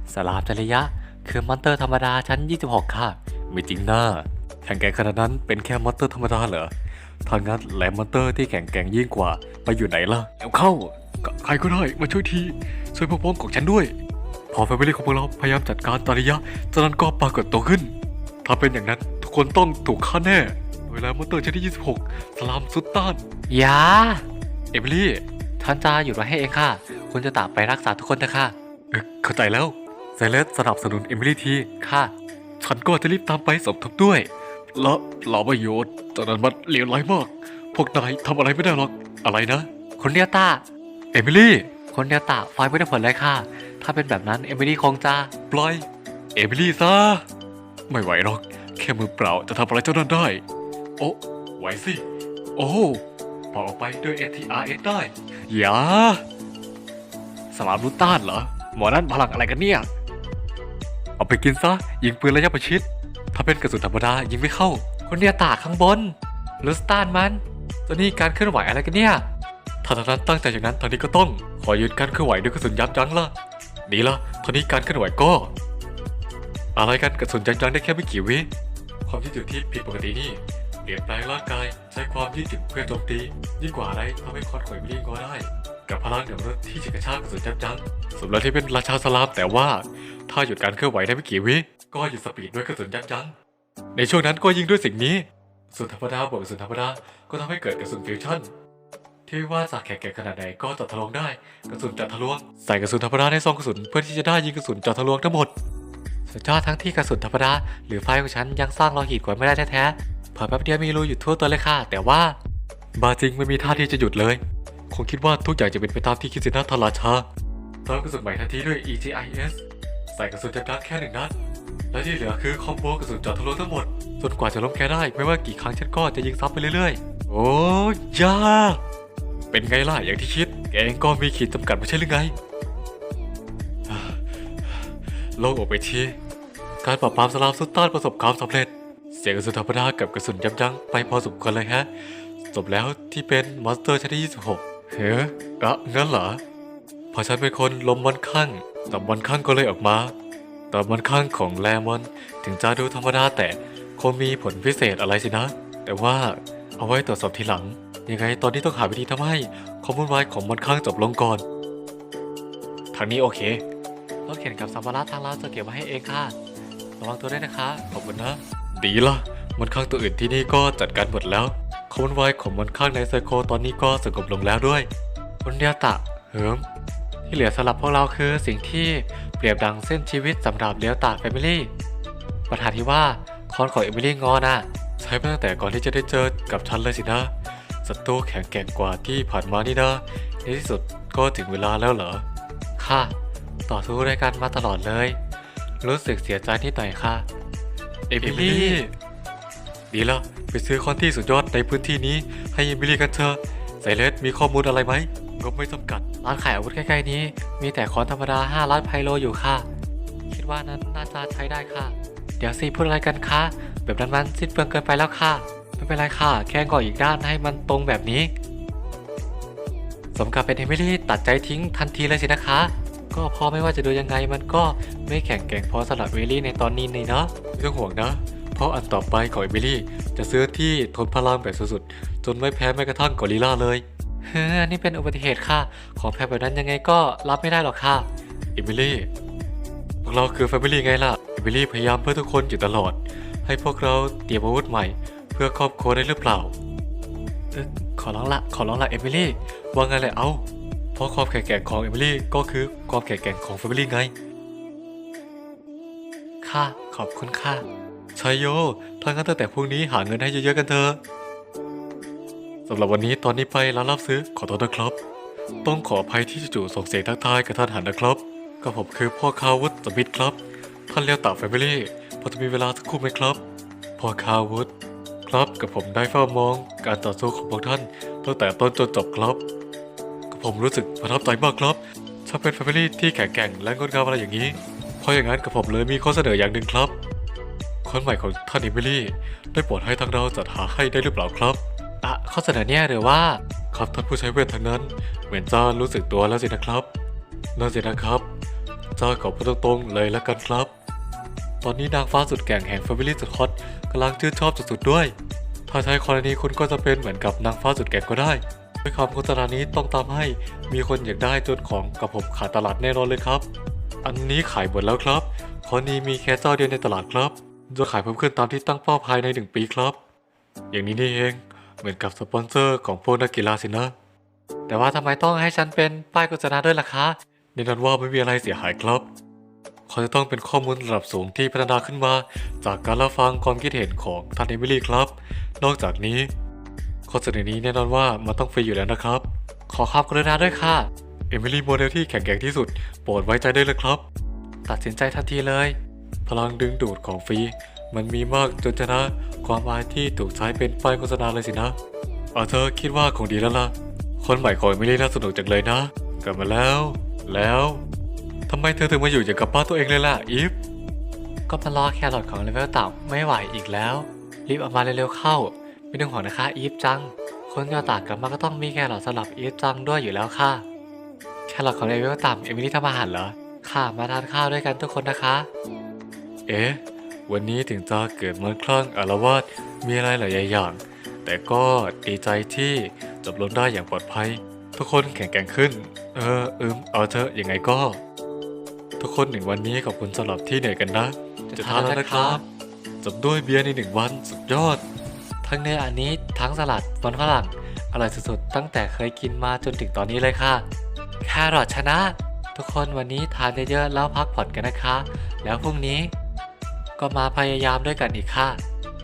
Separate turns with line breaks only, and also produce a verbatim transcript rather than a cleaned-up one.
สลามจริยะคือมอนเตอร์ธรรมดาชั้นยี่สิบหกค่ะไม่จริงนะแข่งแกร่งขนาดนั้นเป็นแค่มอนเตอร์ธรรมดาเหรอถ้างั้นแหลมมอนเตอร์ที่แข็งแกร่งยิ่งกว่าไปอยู่ไหนล่ะแล้วเข้าใครก็ได้มาช่วยทีช่วยพวกพ้องของฉันด้วยพอแฟมิลี่ของพวกเราพยายามจัดการตาริยะจากนั้นก็ปรากฏตัวขึ้นถ้าเป็นอย่างนั้นทุกคนต้องถูกฆ่าแน่โดยแหลมมอนเตอร์ชั้นที่ยี่สิบหกสลามสุดต้านอย่าเอมิลี่ท่านจะหยุดไว้ให้เองค่ะคุณจะตามไปรักษาทุกคนนะคะเออเข้าใจแล้วไซเลสสนับสนุนเอมิลี่ทีค่ะฉันก็จะรีบตามไปสมทบด้วยและเหล่าประโยชน์ตอนนั้นมันเลวร้ายมากพวกนายทำอะไรไม่ได้หรอกอะไรนะคนเดียวตาเอมิลี่คนเดียวตาไฟไม่ได้ผลเลยค่ะถ้าเป็นแบบนั้นเอมิลี่คงจะปล่อยเอมิลี่ซะไม่ไหวหรอกแค่มือเปล่าจะทำอะไรเจ้านั่นได้โอ้ไหวสิโอ้ปล่อยออกไปด้วย เอ ที อาร์ เอส ได้อย่าสลามรุต้านเหรอหมอนั่นพลังอะไรกันเนี่ยเอาไปกินซะยิงปืนระยะประชิดถ้าเป็นกระสุนธรรมดายิงไม่เข้าคนเดียวตาข้างบนรุสต้านมันตัวนี้การเคลื่อนไหวอะไรกันเนี่ยถ้าทางนั้นตั้งใจอย่างนั้นทางนี้ก็ต้องขอยืนการเคลื่อนไหวด้วยกระสุนยับยั้งละดีละทางนี้การเคลื่อนไหวก็อะไรกันกระสุนยับยั้งได้แค่ไม่กี่วิความยืดหยุ่นที่ผิดปกตินี่เปลี่ยนแปลงร่างกายใช้ความยืดหยุ่นเพื่อโจมตียิ่งกว่าอะไรทำให้คอนข่อยไม่ได้งอได้กับพลังเหนือมนุษย์ที่จะกระชากกระสุนยับยั้งสมแล้วที่เป็นราชาสลามแต่ว่าถ้าหยุดการเคลื่อนไหวได้ไม่กี่วิก็หยุดสปีดด้วยกระสุนยับยั้งในช่วงนั้นก็ยิงด้วยสิ่งนี้กระสุนธรรมดาบวกกระสุนธรรมดาก็ทำให้เกิดกระสุนฟิวชั่นที่ว่าจากแข็งแกร่งขนาดไหนก็เจาะทะลวงได้กระสุนเจาะทะลวงใส่กระสุนธรรมดาในซองกระสุนเพื่อที่จะได้ยิงกระสุนเจาะทะลวงทั้งหมดสุดยอดทั้งที่กระสุนธรรมดาหรือไฟของฉันยังสร้างโลหิตกว่าไม่ได้แท้ๆเผอแป๊บเดียวมีรูอยู่ทั่วตัวเลยค่ะแต่ว่าบาจริงไม่มีท่าที่จะหยุดเลยคงคิดว่าทุกอย่างจะเป็นไปตามที่คิดสินะทาราชาเติมกระสุนใหม่ทันทีด้วย อี จี ไอ เอส ใส่กระสุนจับยัดแค่หนึ่งนัดและที่เหลือคือคอมโบกระสุนเจาะทะลุทั้งหมดจนกว่าจะล้มแกได้ไม่ว่ากี่ครั้งฉันก็จะยิงซ้ำไปเรื่อยๆโอ้ยาเป็นไงล่ะอย่างที่คิดแกเองก็มีขีดจำกัดไม่ใช่หรือไงโล่งออกไปทีการปราบปรามสลามสุดต้านประสบความสำเร็จเสียงกระสุนธรรมดากับกระสุนยับยั้งไปพอสมควรเลยฮะจบแล้วที่เป็นมอนสเตอร์ชั้นที่ยี่สิบหกเฮ้ยอะงั้นเหรอพอฉันเป็นคนลมมันข้างแต่มันข้างก็เลยออกมาแต่มันข้างของแลมอนถึงจะดูธรรมดาแต่คงมีผลพิเศษอะไรสินะแต่ว่าเอาไว้ตรวจสอบทีหลังยังไงตอนนี้ต้องหาวิธีทำให้ความวุ่นวายของมันข้างจบลงก่อนทางนี้โอเครถเข็นกับสัมภาระทางร้านจะเก็บไว้ให้เองค่ะระวังตัวด้วยนะคะขอบคุณนะดีละมันข้างตัวอื่นที่นี่ก็จัดการหมดแล้วความวุ่นวายของมันข้างในไซโคตอนนี้ก็สงบลงแล้วด้วยคุณเดียตะเหิมที่เหลือสำหรับพวกเราคือสิ่งที่เปรียบดังเส้นชีวิตสำหรับเลียวตาแฟมิลี่ปัญหาที่ว่าคอนของเอมิลี่งอน่ะใช้มาตั้งแต่ก่อนที่จะได้เจอกับฉันเลยสินะศัตรูแข็งแกร่งกว่าที่ผ่านมานี่นะในที่สุดก็ถึงเวลาแล้วเหรอค่ะต่อสู้ด้วยกันมาตลอดเลยรู้สึกเสียใจนิดหน่อยค่ะเอมิลี่ดีแล้วไปซื้อคอนที่สุดยอดในพื้นที่นี้ให้เอมิลี่กันเถอะไซเลสมีข้อมูลอะไรไหมงบไม่จำกัดร้านขายอาวุธใกล้ๆนี้มีแต่คอนธรรมดาห้าล้านไพโลอยู่ค่ะคิดว่านั้นน่าจะใช้ได้ค่ะเดี๋ยวสิพูดอะไรกันคะแบบนั้นมันสิ้นเปลืองเกินไปแล้วค่ะไม่เป็นไรค่ะแค่ก่ออีกด้านให้มันตรงแบบนี้สมกับเป็นเอมิลี่ตัดใจทิ้งทันทีเลยสินะคะก็เพราะไม่ว่าจะดูยังไงมันก็ไม่แข็งแกร่งพอสำหรับเอมิลี่ในตอนนี้นี่เนาะไม่ต้องห่วงนะเพราะอันต่อไปของเอมิลี่จะซื้อที่ทนพลังแบบสุดๆจนไม่แพ้แม้กระทั่งกอริลลาเลยเฮ้ยนี่เป็นอุบัติเหตุค่ะของแพ้แบบนั้นยังไงก็รับไม่ได้หรอกค่ะเอมิลี่พวกเราคือแฟมิลี่ไงล่ะเอมิลี่พยายามเพื่อทุกคนอยู่ตลอดให้พวกเราเตรียมอาวุธใหม่เพื่อครอบครัวได้หรือเปล่าเออขอร้องละขอร้องละเอมิลี่ว่าไงเลยเอาเพราะความแข็งแกร่งของเอมิลี่ก็คือความแข็งแกร่งของแฟมิลี่ไงค่ะขอบคุณค่ะชัยโยถ้างั้นตั้งแต่พรุ่งนี้หาเงินให้เยอะๆกันเถอะสำหรับวันนี้ตอนนี้ไปร้านรับซื้อขอโทษนะครับต้องขออภัยที่จู่ๆส่งเสียงทักทายกับท่านหันนะครับก็ผมคือพ่อคาวุฒสมิธครับท่านเลี้ยวตาแฟมิลี่พอจะมีเวลาสักครู่ไหมครับพ่อคาวุฒครับกับผมได้เฝ้ามองการต่อสู้ของพวกท่านตั้งแต่ต้นจนจบครับกับผมรู้สึกประทับใจมากครับช่างเป็นแฟมิลี่ที่แข็งแกร่งและงดงามอะไรอย่างนี้เพราะอย่างนั้นกับผมเลยมีข้อเสนออย่างหนึ่งครับคนใหม่ของท่านเอมิลี่ได้โปรดให้ทางเราจัดหาให้ได้หรือเปล่าครับอ่ะข้อเสนอเนี่ยหรือว่าครับท่านผู้ใช้เวททางนั้นเหมือนจะรู้สึกตัวแล้วสินะครับนั่นสินะครับเจ้าขอพูดตรงๆเลยแล้วกันครับตอนนี้นางฟ้าสุดแกร่งแห่ง Family สุดฮอตกำลังชื่นชอบสุดๆด้วยถ้าใช้กรณีคุณก็จะเป็นเหมือนกับนางฟ้าสุดแกร่งก็ได้ด้วยคำโฆษณานี้ต้องตามให้มีคนอยากได้จนของกับผมขาดตลาดแน่นอนเลยครับอันนี้ขายหมดแล้วครับข้อนี้มีแค่เจ้าเดียวในตลาดครับจะขายเพิ่มขึ้นตามที่ตั้งเป้าภายในหนึ่งปีครับอย่างนี้นี่เองเหมือนกับสปอนเซอร์ของพวกนักกีฬาสินะแต่ว่าทำไมต้องให้ฉันเป็นป้ายโฆษณาด้วยล่ะคะแน่นอนว่าไม่มีอะไรเสียหายครับเขาจะต้องเป็นข้อมูลระดับสูงที่พัฒนาขึ้นมาจากการรับฟังความคิดเห็นของท่านเอมิลี่ครับนอกจากนี้ข้อเสนอนี้แน่นอนว่ามันต้องฟรีอยู่แล้วนะครับขอความกรุณาด้วยค่ะเอมิลี่โมเดลที่แข็งแกร่งที่สุดโปรดไว้ใจได้เลยครับตัดสินใจทันทีเลยพลังดึงดูดของฟรีมันมีมากจนชนะความอายที่ถูกใช้เป็นป้ายโฆษณาเลยสินะเอาเธอคิดว่าคงดีแล้วล่ะคนใหม่ของเอมิลี่น่าสนุกจังเลยนะกลับมาแล้วแล้วทำไมเธอถึงมาอยู่อย่างกับบ้านตัวเองเลยล่ะอีฟก็มารอแครอทของเลเวลต่ำไม่ไหวอีกแล้วรีบเอามาเร็วๆเข้าไม่ต้องห่วงนะคะอีฟจังคนยอตากกลับมาก็ต้องมีแครอทสำหรับอีฟจังด้วยอยู่แล้วค่ะแครอทของเลเวลต่ำเอมิลี่ทำอาหารเหรอค่ะมาทานข้าวด้วยกันทุกคนนะคะเอ๊ะวันนี้ถึงจะเกิดมันคลั่งอาละวาดมีอะไรหลายอย่างแต่ก็ดีใจที่จบลงได้อย่างปลอดภัยทุกคนแข็งแกร่งขึ้นเอออืมเอาเถอะยังไงก็ทุกคนหนึ่งวันนี้ขอบคุณสำหรับที่เหนื่อยกันนะจะทานแล้วนะครับจบด้วยเบียร์ในหนึ่งวันสุดยอดทั้งเนื้ออันนี้ทั้งสลัดมันฝรั่งอร่อยสุดๆตั้งแต่เคยกินมาจนถึงตอนนี้เลยค่ะแครอทชนะทุกคนวันนี้ทานเยอะๆแล้วพักผ่อนกันนะคะแล้วพรุ่งนี้ก็มาพยายามด้วยกันอีกค่ะ